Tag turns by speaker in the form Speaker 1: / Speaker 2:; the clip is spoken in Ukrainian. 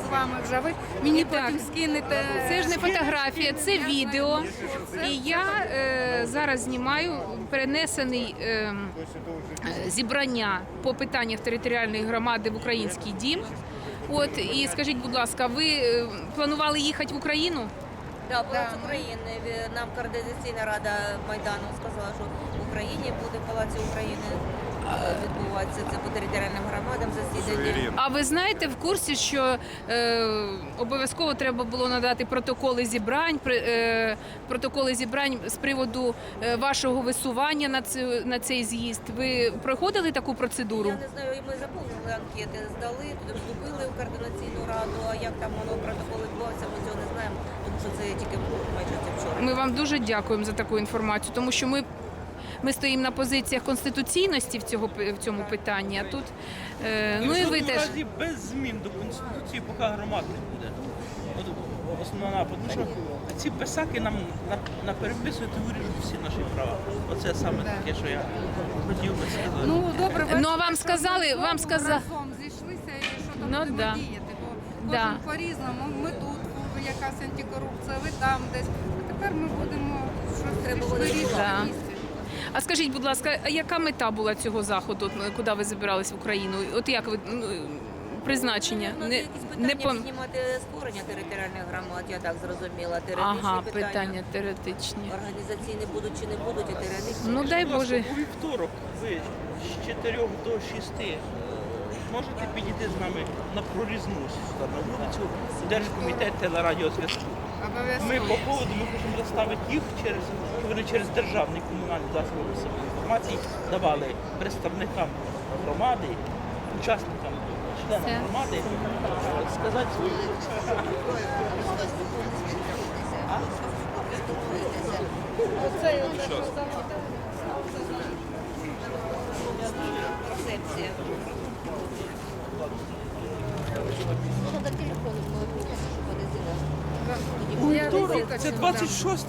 Speaker 1: з вами вже. Ви мені
Speaker 2: Так.
Speaker 1: потім скинете.
Speaker 2: Це ж не фотографія, це відео. І я зараз знімаю перенесений зібрання по питаннях територіальної громади в Український дім. От, і скажіть, будь ласка, ви планували їхати в Україну?
Speaker 3: Да, була з України. Нам Координаційна рада Майдану сказала, що в Україні буде в Палаці України відбуватися це по територіальним громадам засідання.
Speaker 2: А ви знаєте, в курсі, що обов'язково треба було надати протоколи зібрань з приводу вашого висування на цей з'їзд? Ви проходили таку процедуру?
Speaker 3: Я не знаю, ми заповнили анкети, здали, туди вступили в Координаційну раду, а як там воно протокол відбувався, ми цього не знаємо, тому що це тільки майже вчора.
Speaker 2: Ми вам дуже дякуємо за таку інформацію, тому що ми стоїмо на позиціях конституційності в цьому питанні, а тут, ну і ви теж.
Speaker 4: Без змін до Конституції, поки громад не буде. От основна, тому що ці писаки нам напереписують і виріжуть всі наші права. Оце саме таке, що я хотів би сказати.
Speaker 1: Ну, добре,
Speaker 2: Ну, а вам сказали,
Speaker 1: разом зійшлися і що там
Speaker 2: Ну,
Speaker 1: будемо
Speaker 2: да.
Speaker 1: діяти. Бо
Speaker 2: Да.
Speaker 1: кожен по-різному. Ми тут, якась антикорупція, ви там десь. А тепер ми будемо
Speaker 3: Треба
Speaker 1: щось
Speaker 3: буде
Speaker 1: вирішувати.
Speaker 2: Да.
Speaker 1: в місті.
Speaker 2: А скажіть, будь ласка, а яка мета була цього заходу, куди ви збирались в Україну? От як ви призначення?
Speaker 3: Ну, якісь питання піднімати створення територіальних громад, я так зрозуміла. Теоретичні
Speaker 2: Ага, питання теоретичні.
Speaker 3: Організаційні будуть чи не будуть, і теоретичні.
Speaker 2: Ну дай
Speaker 4: Будь ласка,
Speaker 2: Боже.
Speaker 4: у вівторок ви з 4 до 6 можете підійти з нами на прорізну сюди, на вулицю Держкомітет телерадіозв'язку. Ми по поводу ми хочемо заставити їх щоб вони через державний комунальний засоби масової інформації давали представникам громади, учасникам, членам
Speaker 2: Все.
Speaker 4: громади сказати свою.
Speaker 3: Концепція. Можна до телефону, щоб вони зіли.
Speaker 1: Я
Speaker 4: Це 26